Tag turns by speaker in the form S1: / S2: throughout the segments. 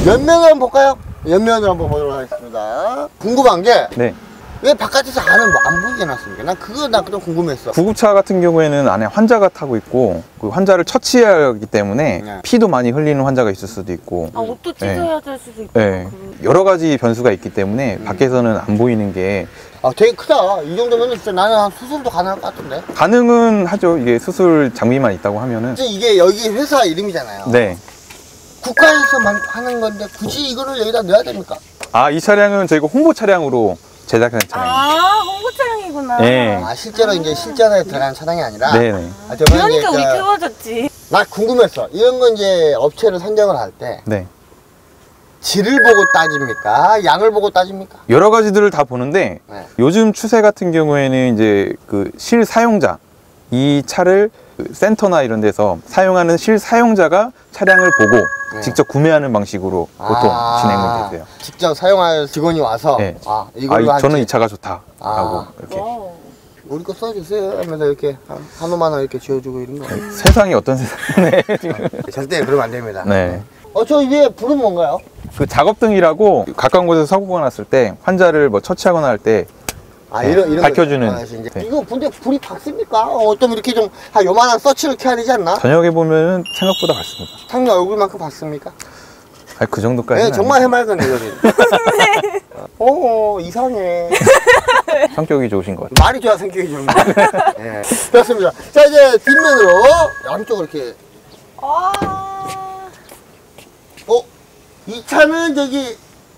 S1: 옆면을 한번 볼까요? 옆면을 한번 보도록 하겠습니다. 궁금한 게
S2: 네.
S1: 왜 바깥에서 안을 뭐 안 보이게 놨습니까? 난 그거 좀 궁금했어.
S2: 구급차 같은 경우에는 안에 환자가 타고 있고 그 환자를 처치해야 하기 때문에
S1: 네.
S2: 피도 많이 흘리는 환자가 있을 수도 있고
S3: 아, 옷도 찢어야 될 수도 있고.
S2: 네. 여러 가지 변수가 있기 때문에 밖에서는 안 보이는 게
S1: 아, 되게 크다. 이 정도면 진짜 나는 한 수술도 가능할 것 같은데.
S2: 가능은 하죠. 이게 수술 장비만 있다고 하면은.
S1: 이게 여기 회사 이름이잖아요.
S2: 네.
S1: 국가에서만 하는 건데 굳이 이거를 여기다 넣어야 됩니까?
S2: 아, 이 차량은 저희가 홍보 차량으로 제작한 차량입니다.
S3: 아, 홍보 차량이구나.
S2: 네.
S1: 아, 실제로 이제 실전에 들어가는 차량이 아니라.
S2: 네네.
S1: 아, 저번에
S3: 그러니까
S1: 이제
S3: 우리 키워줬지.
S1: 나 궁금했어. 이런 건 이제 업체를 선정을 할 때
S2: 네.
S1: 질을 보고 따집니까? 양을 보고 따집니까?
S2: 여러 가지들을 다 보는데
S1: 네.
S2: 요즘 추세 같은 경우에는 이제 그 실사용자, 이 차를 그 센터나 이런 데서 사용하는 실사용자가 차량을 보고
S1: 네.
S2: 직접 구매하는 방식으로 보통 진행이 되세요.
S1: 직접 사용할 직원이 와서
S2: 네.
S1: 이걸로
S2: 저는 이
S1: 할지.
S2: 차가 좋다라고 이렇게.
S3: 와우.
S1: 우리 거 써주세요 하면서 이렇게 한 5만 원 이렇게 지어주고 이런 거.
S2: 세상이 어떤 세상에 지금.
S1: 절대 그러면 안 됩니다.
S2: 네.
S1: 저 위에 불은 뭔가요?
S2: 그 작업등이라고 가까운 곳에서 사고가 났을 때 환자를 뭐 처치하거나 할 때 네,
S1: 이런
S2: 밝혀주는.
S1: 거. 이제.
S2: 네.
S1: 이거 근데 불이 밝습니까? 좀 이렇게 좀 요만한 서치를 켜야 되지 않나?
S2: 저녁에 보면 생각보다 밝습니다.
S1: 상류 얼굴만큼 밝습니까?
S2: 아니, 그 정도까지는
S1: 네, 정말 해맑은 애들이. 이상해.
S2: 아니에요. 성격이 좋으신 것 같아요.
S1: 말이 좋아 성격이 좋은 거. 네. 그렇습니다. 자, 이제 뒷면으로 양쪽으로 이렇게. 이 차는 저기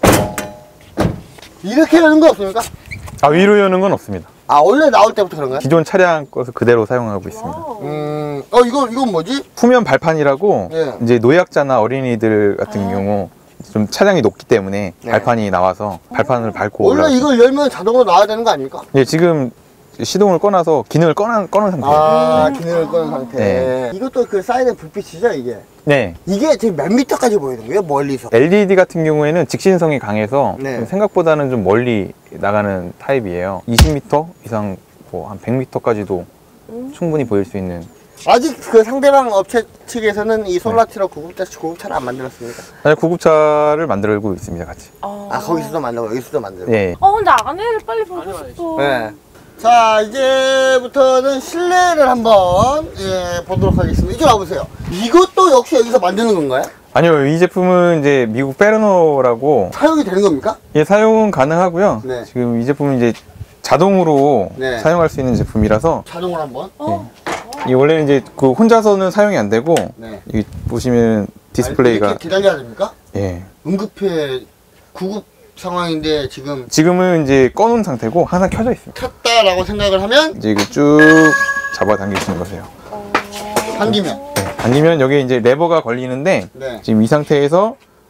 S1: 이렇게 여는 거 없습니까?
S2: 아, 위로 여는 건 없습니다.
S1: 아, 원래 나올 때부터 그런가요?
S2: 기존 차량 것을 그대로 사용하고 있습니다.
S3: 와우.
S1: 이건 뭐지?
S2: 후면 발판이라고
S1: 네.
S2: 이제 노약자나 어린이들 같은 경우 좀 차량이 높기 때문에
S1: 네.
S2: 발판이 나와서 발판을 밟고
S1: 원래
S2: 올라가요.
S1: 이걸 열면 자동으로 나와야 되는 거 아닙니까?
S2: 예, 지금 시동을 꺼놔서 기능을 꺼놓은 상태예요.
S1: 기능을 꺼는 상태.
S2: 네.
S1: 이것도 그 사이드 불빛이죠, 이게?
S2: 네.
S1: 이게 지금 몇 미터까지 보이는 거예요, 멀리서?
S2: LED 같은 경우에는 직신성이 강해서
S1: 네.
S2: 생각보다는 좀 멀리 나가는 타입이에요. 20m 이상 뭐 한 100m까지도 충분히 보일 수 있는.
S1: 아직 그 상대방 업체 측에서는 이 솔라티로 구급차를 안 만들었습니까?
S2: 사실 구급차를 만들고 있습니다, 같이.
S1: 거기서도 만들고 여기서도 만들고.
S2: 예.
S3: 근데 안에를 빨리 보고 싶어.
S1: 네. 자, 이제부터는 실내를 한번 보도록 하겠습니다. 이쪽 와보세요. 이것도 역시 여기서 만드는 건가요?
S2: 아니요, 이 제품은 이제 미국 페르노라고
S1: 사용이 되는 겁니까?
S2: 예, 사용은 가능하고요.
S1: 네.
S2: 지금 이 제품은 이제 자동으로
S1: 네.
S2: 사용할 수 있는 제품이라서
S1: 자동으로 한번.
S2: 이 원래는 이제 그 혼자서는 사용이 안 되고
S1: 네.
S2: 이 보시면 디스플레이가
S1: 이렇게 기다려야 됩니까?
S2: 예.
S1: 응급해 구급 상황인데
S2: 지금은 이제 꺼놓은 상태고 항상 켜져 있습니다.
S1: 켰다라고 생각을 하면
S2: 이제 이거 쭉 잡아 당기시는 거세요.
S1: 당기면.
S2: 네. 당기면 여기 이제 레버가 걸리는데
S1: 네.
S2: 지금 이 상태에서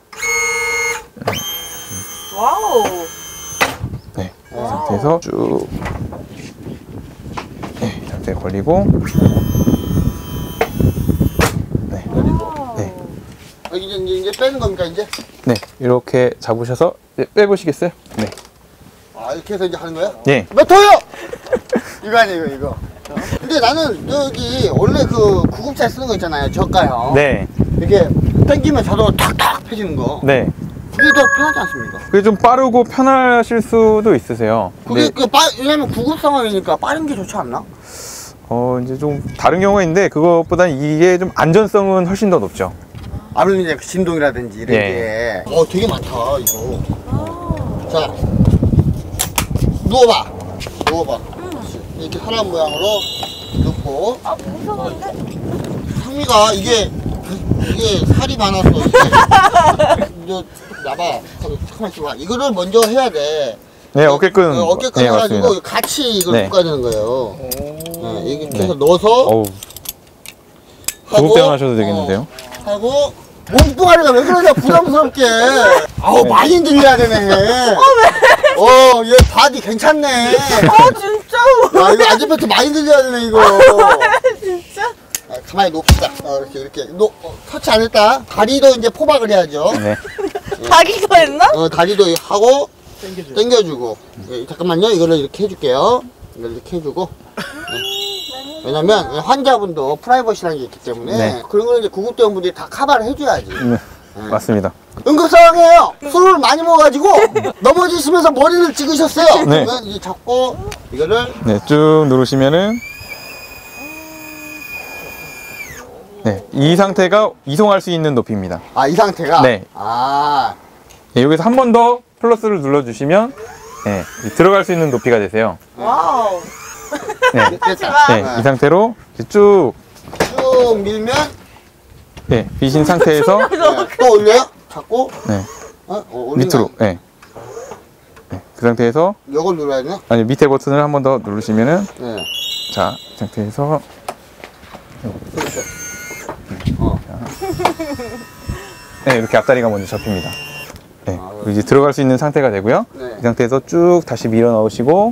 S3: 와우.
S2: 네, 이 상태에서 쭉 네, 이 상태에 걸리고 네. 네.
S1: 이제 빼는 겁니까 이제?
S2: 네, 이렇게 잡으셔서 빼보시겠어요? 네.
S1: 이렇게 해서 이제 하는 거야?
S2: 네.
S1: 몇 호요? 이거 아니에요 이거. 근데 나는 여기 원래 그 구급차에 쓰는 거 있잖아요, 저가요.
S2: 네.
S1: 이렇게 당기면 자동으로 탁탁 펴지는 거.
S2: 네.
S1: 그게 더 편하지 않습니까?
S2: 그게 좀 빠르고 편하실 수도 있으세요.
S1: 그게
S2: 근데
S1: 왜냐면 구급 상황이니까 빠른 게 좋지 않나?
S2: 이제 좀 다른 경우가 있는데 그것보다는 이게 좀 안전성은 훨씬 더 높죠.
S1: 아무래도 이제 진동이라든지 이런
S2: 예.
S1: 게. 되게 많다 이거. 자, 누워봐. 이렇게 사람 모양으로 넣고.
S3: 무서운데?
S1: 상미가 이게 살이 많아서 이제 나봐. 잠깐만 있어봐. 이거를 먼저 해야 돼.
S2: 네, 어깨끈.
S1: 어깨끈
S2: 네,
S1: 해가지고
S2: 맞습니다.
S1: 같이 이걸
S2: 네.
S1: 묶어야 되는 거예요. 네, 이렇게 해서
S2: 네.
S1: 넣어서
S2: 어우, 구급대원 하셔도 되겠는데요?
S1: 하고 몸뚱아리가 왜 그러냐 부담스럽게. 많이 흔들려야 되네. 얘 바디 괜찮네.
S3: 진짜?
S1: 이거 안전벨트 많이 흔들려야 되네 이거.
S3: 진짜?
S1: 가만히 놓읍시다. 이렇게 터치 안 했다. 다리도 이제 포박을 해야죠.
S2: 네.
S3: 자기가 했나?
S1: 다리도 하고 당겨주고. 잠깐만요. 이거를 이렇게 해줄게요. 이걸 이렇게 해주고. 왜냐면 환자분도 프라이버시라는 게 있기 때문에
S2: 네.
S1: 그런 걸 이제 구급대원분들이 다 커버를 해줘야지.
S2: 네. 맞습니다.
S1: 응급상황이에요. 술을 많이 먹어가지고 넘어지시면서 머리를 찍으셨어요.
S2: 네.
S1: 그러면 이제 잡고 이거를
S2: 네, 쭉 누르시면은 네, 이 상태가 이송할 수 있는 높이입니다.
S1: 이 상태가
S2: 네. 네, 여기서 한 번 더 플러스를 눌러주시면 네, 들어갈 수 있는 높이가 되세요.
S3: 와우.
S2: 네,
S1: 됐다.
S2: 네, 이 상태로 이제 쭉
S1: 쭉 밀면
S2: 네, 비신 상태에서
S1: 네, 또 올려요. 잡고
S2: 네,
S1: 올리면
S2: 밑으로 네. 네, 그 상태에서
S1: 이걸 눌러야 되나?
S2: 아니 밑에 버튼을 한 번 더 누르시면은
S1: 네.
S2: 자, 이 상태에서
S1: 그렇죠.
S2: 네, 이렇게 앞다리가 먼저 접힙니다. 네,
S1: 아,
S2: 그리고 이제 들어갈 수 있는 상태가 되고요.
S1: 네.
S2: 이 상태에서 쭉 다시 밀어 넣으시고,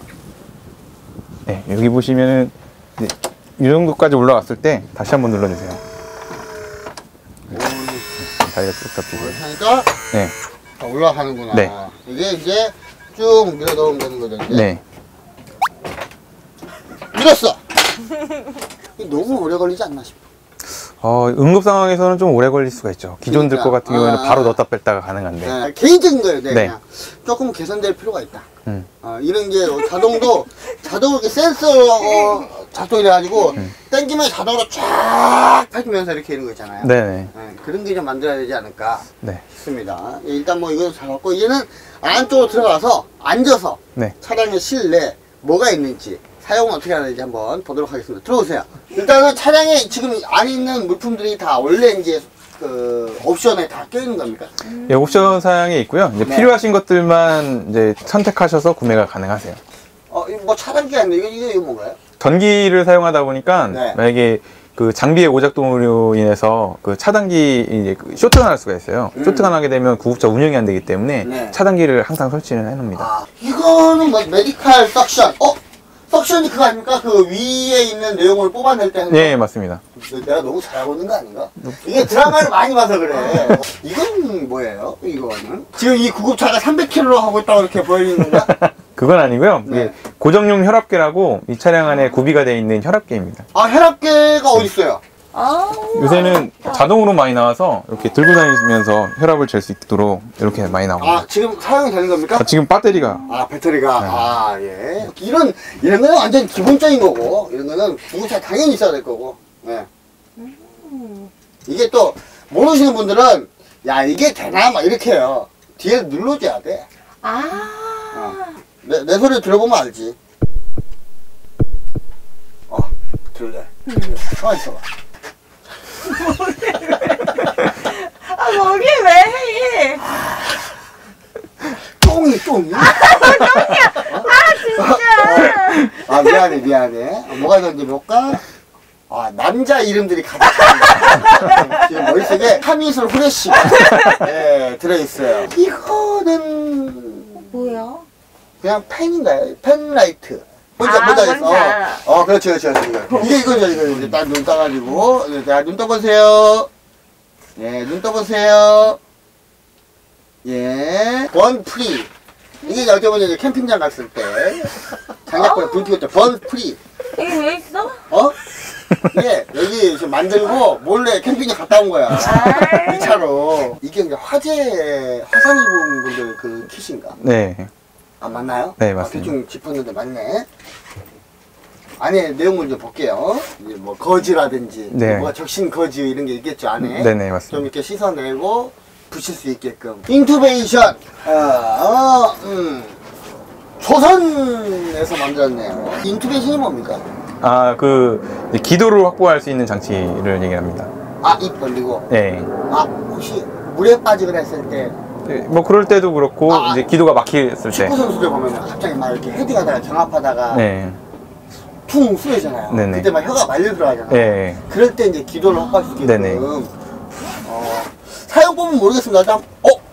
S2: 네, 여기 보시면은 이제 이 정도까지 올라왔을 때 다시 한번 눌러주세요. 네, 다리가 쭉 잡히고.
S1: 하니까
S2: 네,
S1: 올라가는구나.
S2: 네.
S1: 이게 이제 쭉 밀어 넣으면 되는 거죠. 이제.
S2: 네,
S1: 밀었어. 이게 너무 오래 걸리지 않나 싶어.
S2: 응급 상황에서는 좀 오래 걸릴 수가 있죠. 기존들
S1: 그러니까.
S2: 거 같은 경우에는
S1: 아.
S2: 바로 넣었다 뺐다가 가능한데.
S1: 네, 개인적인 거예요. 네,
S2: 네.
S1: 그냥 조금 개선될 필요가 있다.
S2: 음.
S1: 이런 게 자동으로 이렇게 센서 작동해가지고 당기면 자동으로 쫙 펴지면서 이렇게 이런 거 있잖아요.
S2: 네네.
S1: 네, 그런 게 좀 만들어야 되지 않을까
S2: 네,
S1: 싶습니다. 일단 뭐 이거 잡았고 얘는 안쪽으로 들어가서 앉아서
S2: 네.
S1: 차량의 실내 뭐가 있는지 사용은 어떻게 하는지 한번 보도록 하겠습니다. 들어오세요. 일단은 차량에 지금 안에 있는 물품들이 다 원래 이제 그 옵션에 다 껴있는 겁니까?
S2: 예, 옵션 사양에 있고요. 이제
S1: 네.
S2: 필요하신 것들만 이제 선택하셔서 구매가 가능하세요.
S1: 이거 뭐 차단기 아닌데 이거 뭔가요?
S2: 전기를 사용하다 보니까
S1: 네.
S2: 만약에 그 장비의 오작동으로 인해서 그 차단기 이제 그 쇼트가 날 수가 있어요. 쇼트가 나게 되면 구급차 운영이 안 되기 때문에
S1: 네.
S2: 차단기를 항상 설치를 해놓습니다.
S1: 이거는 뭐 메디칼 석션. 석션이 그거 아닙니까? 그 위에 있는 내용을 뽑아낼 때 하는
S2: 네, 맞습니다.
S1: 거. 내가 너무 잘하고 있는 거 아닌가? 이게 드라마를 많이 봐서 그래. 이건 뭐예요? 이거는? 지금 이 구급차가 300km로 하고 있다고 이렇게 보여지는 건가?
S2: 그건 아니고요.
S1: 네.
S2: 이게 고정용 혈압계라고 이 차량 안에 구비가 되어 있는 혈압계입니다.
S1: 혈압계가 어디 있어요?
S2: 요새는 자동으로 많이 나와서 이렇게 들고 다니면서 혈압을 잴 수 있도록 이렇게 많이 나옵니다.
S1: 지금 사용이 되는 겁니까?
S2: 지금 배터리가
S1: 배터리가. 예. 이런 거는 완전 기본적인 거고, 이런 거는 구급차 당연히 있어야 될 거고, 예. 이게 또, 모르시는 분들은, 야, 이게 되나? 막 이렇게 해요. 뒤에 눌러줘야 돼. 내 소리 들어보면 알지. 들려. 가만 있어봐.
S3: 거기 왜 해?
S1: 쫑이. 진짜. 미안해. 뭐가 있는지 볼까? 남자 이름들이 가득 차. 지금 머릿속에 카미술 후레쉬가 들어있어요. 이거는
S3: 뭐야?
S1: 그냥 펜인가요? 펜라이트.
S3: 뭔지
S1: 그렇죠. 이거죠. 이제 딱 눈 떠가지고. 자, 눈 떠보세요. 예, 눈 떠보세요. 예. 번프리. 이게 여쭤보면 이제 캠핑장 갔을 때. 장작불에 불 피웠죠. 번프리.
S3: 이게 왜 있어?
S1: 이게 여기 지금 만들고 몰래 캠핑장 갔다 온 거야. 이 차로. 이게 이제 화산 입은 분들 그 킷인가?
S2: 네.
S1: 맞나요?
S2: 네, 맞습니다.
S1: 대충 짚었는데 맞네. 안에 내용물 좀 볼게요. 이제 뭐 거즈라든지,
S2: 네.
S1: 뭐가 적신 거즈 이런 게 있겠죠 안에.
S2: 네네, 맞습니다.
S1: 좀 이렇게 씻어내고 붙일 수 있게끔. 인투베이션. 조선에서 만들었네요. 인투베이션이 뭡니까?
S2: 그 기도를 확보할 수 있는 장치를 얘기합니다.
S1: 입 벌리고.
S2: 네.
S1: 혹시 물에 빠지거나 했을 때.
S2: 네, 뭐 그럴 때도 그렇고 이제 기도가 막혔을 때.
S1: 축구 선수들 보면 갑자기 막 이렇게 헤딩하다가 경합하다가
S2: 네.
S1: 퉁 쏘이잖아요.
S2: 네네.
S1: 그때 막 혀가 말려 들어가잖아요.
S2: 네.
S1: 그럴 때 이제 기도를 확보할 수 있게끔.
S2: 네네.
S1: 사용법은 모르겠습니다. 일단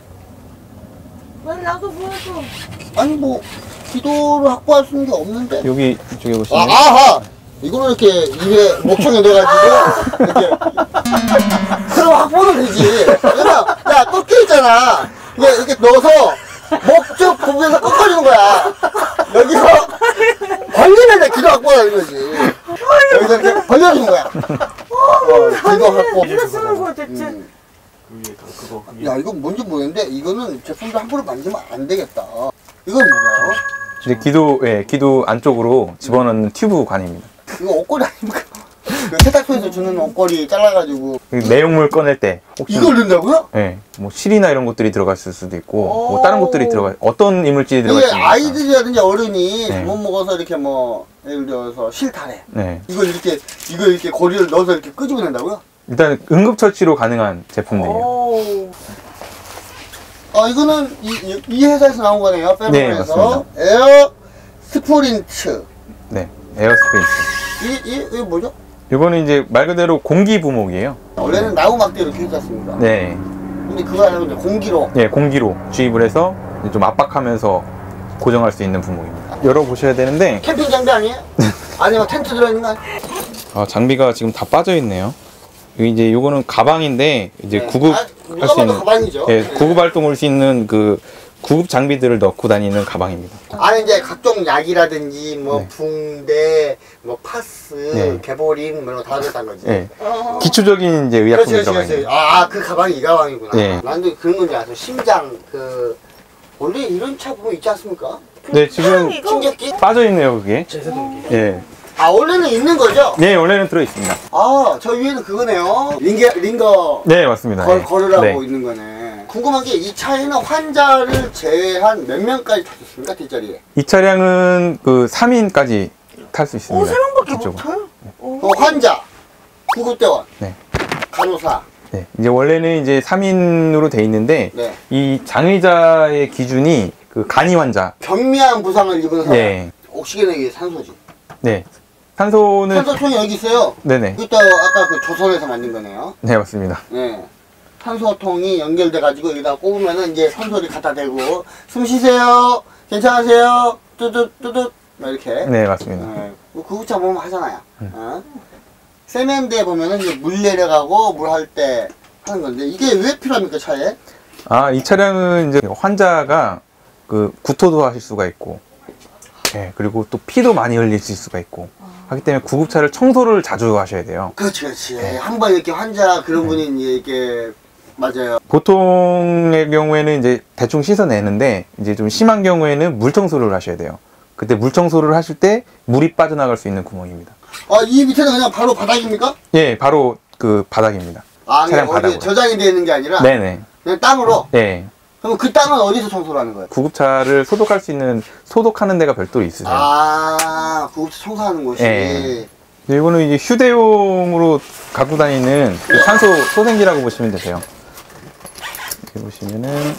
S3: 왜 나도 보여줘?
S1: 아니 뭐 기도를 확보할 수 있는 게 없는데.
S2: 여기 이쪽에 보시면
S1: 이거는 이렇게 입에 목청에 넣어가지고 이렇게. 그럼 확보는 되지. 왜냐면 또 껴있잖아. 이렇게 넣어서 목적 부분에서 꺾어주는 거야. 여기서 벌리면 내 기도 확보가 되는 거지. 여기서 이렇게 벌려주는 거야. 기도 확보.
S3: 어디다 쓰는 거야 대체?
S4: 그거.
S1: 야, 이건 뭔지 모르겠는데 이거는 제품도 함부로 만지면 안 되겠다. 이건 뭐예요?
S2: 이제 기도 안쪽으로 집어넣는 튜브 관입니다.
S1: 이거 옷걸이 아닙니까? 그 세탁소에서 주는 옷걸이 잘라가지고
S2: 내용물 꺼낼 때 혹시
S1: 이걸 넣는다고요?
S2: 예, 뭐 실이나 이런 것들이 들어갔을 수도 있고 뭐 다른 것들이 어떤 이물질이
S1: 이게
S2: 들어갈지
S1: 아이들이라든지 어른이
S2: 네.
S1: 잘못 먹어서 이렇게 뭐 예를 들어서 실타래
S2: 네.
S1: 이걸 이렇게 고리를 넣어서 이렇게 끄집어낸다고요?
S2: 일단 응급처치로 가능한 제품들이에요.
S3: 오.
S1: 이거는 이 회사에서 나온 거네요.
S2: 네,
S1: 페르몬에서 에어 스프린트.
S2: 네, 에어스프린트.
S1: 이게 뭐죠?
S2: 이거는 이제 말 그대로 공기 부목이에요.
S1: 원래는 나무막대 이렇게 있지 않습니까?
S2: 네,
S1: 근데 그거 아니고 이제 공기로.
S2: 네, 공기로 주입을 해서 이제 좀 압박하면서 고정할 수 있는 부목입니다. 열어보셔야 되는데
S1: 캠핑 장비 아니에요? 안에 막 텐트 들어있는 거 아니에요?
S2: 장비가 지금 다 빠져 있네요. 이제 요거는 가방인데 이제
S1: 네.
S2: 구급할
S1: 누가
S2: 수
S1: 봐도
S2: 있는
S1: 가방이죠.
S2: 예,
S1: 네.
S2: 구급 활동을 할 수 있는 그 구급 장비들을 넣고 다니는 가방입니다.
S1: 안에 이제 각종 약이라든지 뭐
S2: 네.
S1: 붕대, 뭐 파스,
S2: 네.
S1: 개보린 뭐 이런 거 다 들었다는 거지.
S2: 예, 기초적인 이제 의약품이 들어가 있는.
S1: 그 가방이 이 가방이구나.
S2: 네.
S1: 난도 그런 건지 알았어. 심장 원래 이런 차 보면 있지 않습니까?
S2: 네, 지금
S3: 이거
S1: 충격기?
S2: 빠져 있네요, 그게.
S4: 제세동기.
S2: 예.
S1: 원래는 있는 거죠?
S2: 네, 원래는 들어 있습니다.
S1: 저 위에는 그거네요. 링거
S2: 네, 맞습니다. 예.
S1: 걸으라고
S2: 네.
S1: 있는 거네. 궁금한 게 이 차에는 환자를 제외한 몇 명까지 탈 수 있습니까? 뒷자리에.
S2: 이 차량은 그 3인까지 탈 수 있습니다.
S3: 3명밖에 못
S2: 뒤쪽으로.
S3: 타요?
S1: 환자, 구급대원,
S2: 네.
S1: 간호사.
S2: 네. 이제 원래는 이제 3인으로 돼 있는데
S1: 네.
S2: 이 장의자의 기준이 그 간이 환자.
S1: 경미한 부상을 입은 사람.
S2: 네.
S1: 옥시겐은 이게 산소지.
S2: 네. 산소는
S1: 산소통이 여기 있어요.
S2: 네네.
S1: 이것도 아까 그 조선에서 만든 거네요.
S2: 네, 맞습니다.
S1: 네. 산소통이 연결돼가지고 여기다 꼽으면은 이제 산소를 갖다 대고 숨 쉬세요. 괜찮으세요? 뚜뚜뚜뚜 이렇게.
S2: 네, 맞습니다.
S1: 네. 구급차 보면 하잖아요. 세면대 보면은 이제 물 내려가고 물 할 때 하는 건데 이게 왜 필요합니까 차에?
S2: 이 차량은 이제 환자가 그 구토도 하실 수가 있고, 예, 그리고 또 피도 많이 흘리실 수가 있고, 하기 때문에 구급차를 청소를 자주 하셔야 돼요.
S1: 그렇지 그렇지. 한번 이렇게 환자 그런 분이 이제 이렇게 맞아요.
S2: 보통의 경우에는 이제 대충 씻어내는데, 이제 좀 심한 경우에는 물 청소를 하셔야 돼요. 그때 물 청소를 하실 때 물이 빠져나갈 수 있는 구멍입니다.
S1: 이 밑에는 그냥 바로 바닥입니까?
S2: 예, 바로 그 바닥입니다. 차량
S1: 어디
S2: 바닥으로.
S1: 저장이 되어 있는 게 아니라
S2: 네네.
S1: 그냥 땅으로?
S2: 예.
S1: 그럼 그 땅은 어디서 청소를 하는 거예요?
S2: 구급차를 소독할 수 있는 소독하는 데가 별도로 있으세요.
S1: 구급차 청소하는 곳이.
S2: 예. 이거는 이제 휴대용으로 갖고 다니는 그 산소 소생기라고 보시면 되세요. 이렇게 보시면은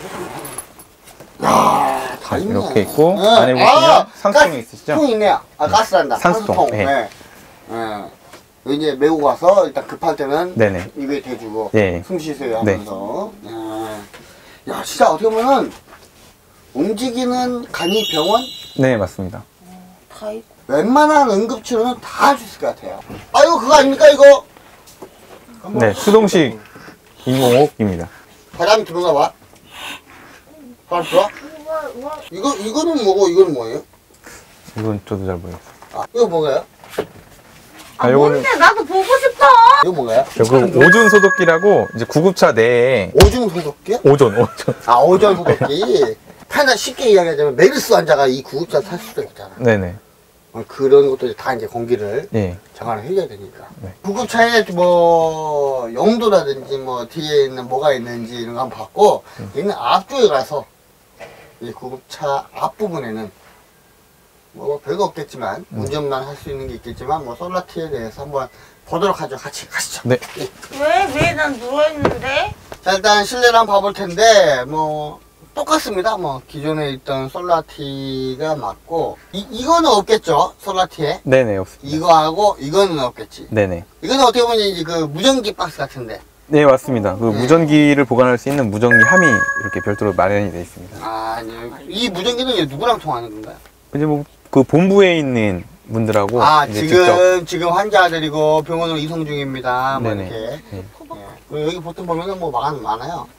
S1: 다 있네.
S2: 이렇게 있고
S1: 네.
S2: 안에 보시면 산소통이 있으시죠?
S1: 통 있네요. 가스란다.
S2: 산소통.
S1: 네.
S2: 네.
S1: 네. 이제 메고 가서 일단 급할 때는
S2: 네네.
S1: 입에 대주고
S2: 네.
S1: 숨 쉬세요
S2: 네.
S1: 하면서. 야, 진짜 어떻게 보면 움직이는 간이 병원
S2: 네, 맞습니다.
S3: 다 있고.
S1: 웬만한 응급치료는 다 할 수 있을 것 같아요. 이거 그거 아닙니까 이거?
S2: 네, 수동식 인공호흡기입니다.
S1: 바람이 들어가 봐. 바람 들어와? 이거는 뭐고 이거는 뭐예요?
S2: 이건 저도 잘 모르겠어요.
S1: 이거 뭐가요?
S2: 요거는
S3: 뭔데? 나도 보고 싶어.
S1: 이거 뭐가요?
S2: 요거 오존 소독기라고 이제 구급차 내에
S1: 오줌 소독기요?
S2: 오존.
S1: 오존 소독기. 편하게 쉽게 이야기하자면 메르스 환자가 이 구급차 탈 수도 있잖아.
S2: 네네.
S1: 그런 것들이 다 이제 공기를
S2: 예.
S1: 정화를 해줘야 되니까.
S2: 네.
S1: 구급차에 뭐 용도라든지 뭐 뒤에 있는 뭐가 있는지 이런 거 한번 봤고 있는 앞쪽에 가서 이 구급차 앞부분에는 뭐 별거 없겠지만 운전만 할 수 있는 게 있겠지만 뭐 솔라티에 대해서 한번 보도록 하죠. 같이 가시죠.
S2: 네.
S3: 왜 난 누워있는데?
S1: 자, 일단 실내를 한번 봐볼 텐데 뭐 똑같습니다. 뭐 기존에 있던 솔라티가 맞고 이거는 없겠죠. 솔라티에
S2: 네네, 없습니다.
S1: 이거하고 이거는 없겠지.
S2: 네네.
S1: 이거는 어떻게 보면 이제 그 무전기 박스 같은데.
S2: 네, 맞습니다. 그 무전기를 보관할 수 있는 무전기 함이 이렇게 별도로 마련이 되어 있습니다.
S1: 이제 이 무전기는 이제 누구랑 통하는 건가요?
S2: 이제 뭐 그 본부에 있는 분들하고 이제
S1: 지금 환자들이고 병원으로 이송 중입니다. 뭐
S2: 네네.
S1: 이렇게.
S2: 네.
S1: 그리고 여기 보통 보면은 뭐 많아요.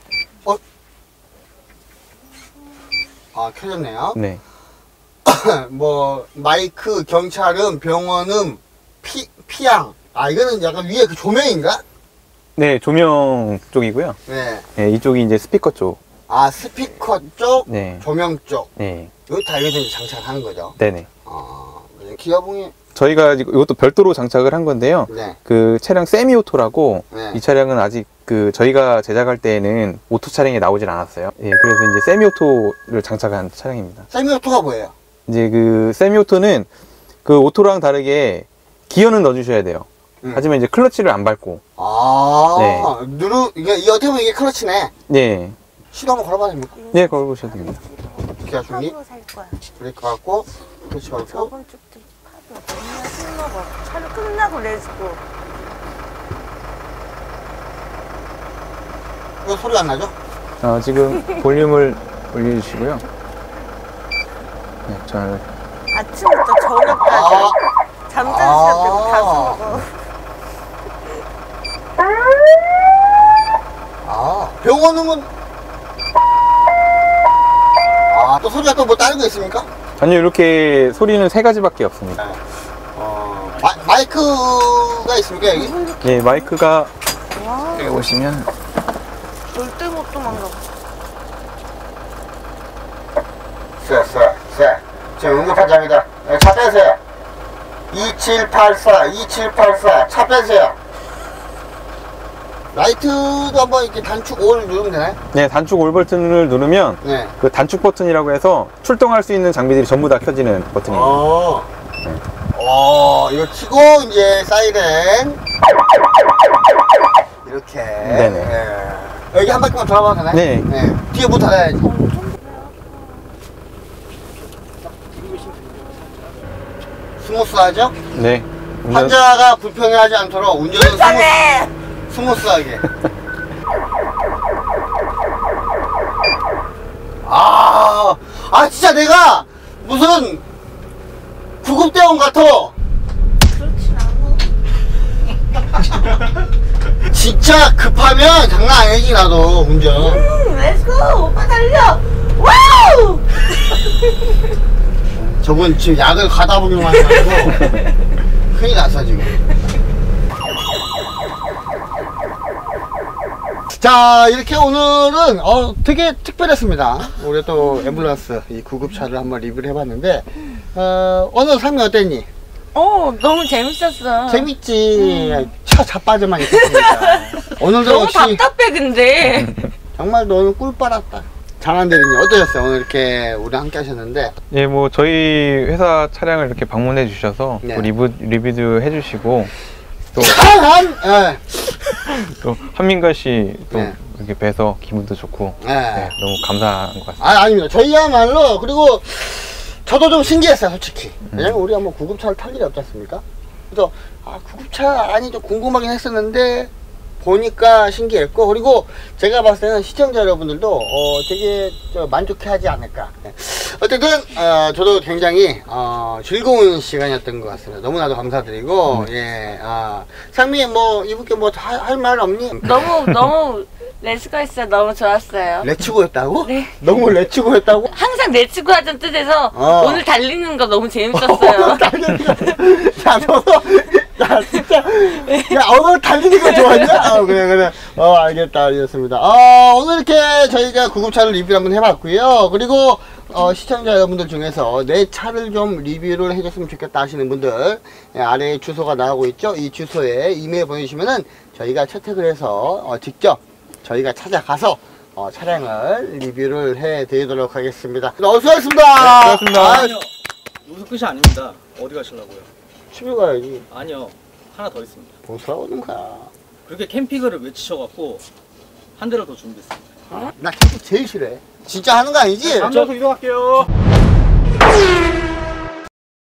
S1: 켜졌네요.
S2: 네.
S1: 뭐 마이크, 경찰음, 병원음, 피양. 이거는 약간 위에 그 조명인가?
S2: 네, 조명 쪽이고요.
S1: 네.
S2: 네, 이쪽이 이제 스피커 쪽.
S1: 아, 스피커 쪽,
S2: 네.
S1: 조명 쪽.
S2: 네.
S1: 여기 다 여기서 이제 장착하는 거죠.
S2: 네네.
S1: 기아봉이.
S2: 저희가 이것도 별도로 장착을 한 건데요.
S1: 네.
S2: 그 차량 세미오토라고
S1: 네.
S2: 이 차량은 아직 그 저희가 제작할 때에는 오토 차량이 나오질 않았어요. 예, 그래서 이제 세미오토를 장착한 차량입니다.
S1: 세미오토가 뭐예요?
S2: 이제 그 세미오토는 그 오토랑 다르게 기어는 넣어주셔야 돼요. 하지만 이제 클러치를 안 밟고.
S1: 아,
S2: 네.
S1: 이게 어떻게 보면 이게 클러치네.
S2: 네.
S1: 시도 한번 걸어봐도 됩니까?
S2: 네, 걸어보셔도 됩니다.
S1: 기아 중립.
S3: 파도 살 거야.
S1: 브레이크 밟고, 클러치 밟고.
S3: 저번 주부터 파도 맨날 술 먹어. 차를 끝나고 내주고.
S1: 이거 소리 안 나죠?
S2: 지금 볼륨을 올려주시고요. 네, 잘.
S3: 아침부터 저녁까지 잠자는 시간 빼고 다 먹어.
S1: 병원은 또 소리가 또 뭐 다른 거 있습니까?
S2: 아니요, 이렇게 소리는 3가지밖에 없습니다.
S1: 마이크가 있습니까, 여기?
S2: 네, 마이크가
S3: 와,
S2: 여기 보시면
S3: 절대 못 도망가.
S1: 지금 응급환자입니다. 차 빼세요. 2784 차 빼세요. 라이트도 한번 이렇게 단축 5를 누르면 되나요?
S2: 네, 단축 올 버튼을 누르면
S1: 네.
S2: 그 단축 버튼이라고 해서 출동할 수 있는 장비들이 전부 다 켜지는 버튼이에요.
S1: 이거 키고 이제 사이렌 이렇게.
S2: 네네.
S1: 네. 여기 한 바퀴만 돌아봐도 되나요?
S2: 네.
S1: 뒤에 문 닫아야지. 스무스하죠?
S2: 네.
S1: 환자가 불편해하지 않도록 운전은 스무스하게. 진짜 내가 무슨 구급대원 같아.
S3: 그렇진 않아.
S1: 진짜 급하면 장난 아니지 나도 운전.
S3: 렛츠고! 오빠 달려! 와우!
S1: 저분 지금 약을 가다 보기만 해가지고 큰일 났어 지금. 자, 이렇게 오늘은 되게 특별했습니다. 우리 또 앰뷸런스 이 구급차를 한번 리뷰를 해봤는데 오늘 상미 어땠니?
S3: 너무 재밌었어.
S1: 재밌지. 차 자빠져만 있었으니까. 오늘도
S3: 너무
S1: 역시
S3: 답답해 근데.
S1: 정말 너는 꿀 빨았다. 장한 대리님 어떠셨어요? 오늘 이렇게 우리 함께 하셨는데.
S2: 예, 뭐 저희 회사 차량을 이렇게 방문해 주셔서
S1: 네.
S2: 또 리뷰도 해주시고 또 또 한민가 씨 또
S1: 네.
S2: 이렇게 뵈서 기분도 좋고
S1: 네.
S2: 네, 너무 감사한 것 같습니다.
S1: 아닙니다. 저희야말로. 그리고 저도 좀 신기했어요 솔직히. 왜냐면 우리가 뭐 구급차를 탈 일이 없지 않습니까? 그래서 구급차 아니 좀 궁금하긴 했었는데 보니까 신기했고, 그리고 제가 봤을 때는 시청자 여러분들도 되게 만족해하지 않을까. 어쨌든 저도 굉장히 즐거운 시간이었던 것 같습니다. 너무나도 감사드리고. 예, 상미 뭐 이분께 뭐 할 말 없니?
S3: 너무 렛츠고했어요. 너무 좋았어요.
S1: 레츠고였다고?
S3: 네.
S1: 너무 레츠고였다고?
S3: 항상 렛츠고 하던 뜻에서 오늘 달리는 거 너무 재밌었어요.
S1: 야, 너도, 야, 진짜. 야, 오늘 달리는 거 좋아했냐? 그래. 알겠습니다. 오늘 이렇게 저희가 구급차를 리뷰를 한번 해봤고요. 그리고, 시청자 여러분들 중에서 내 차를 좀 리뷰를 해줬으면 좋겠다 하시는 분들, 아래에 주소가 나오고 있죠? 이 주소에 이메일 보내주시면은 저희가 채택을 해서, 직접 저희가 찾아가서, 차량을 리뷰를 해드리도록 하겠습니다. 수고하셨습니다.
S2: 수고하셨습니다.
S4: 아니요. 여기서 끝이 아닙니다. 어디 가시려고요?
S1: 집에 가야지.
S4: 아니요. 하나 더 있습니다.
S1: 뭐 사오는 거야.
S4: 그렇게 캠핑을 외치셔갖고 한 대를 더 준비했습니다.
S1: 나 캠핑 제일 싫어해. 진짜 하는 거 아니지?
S4: 앉아서 이동할게요.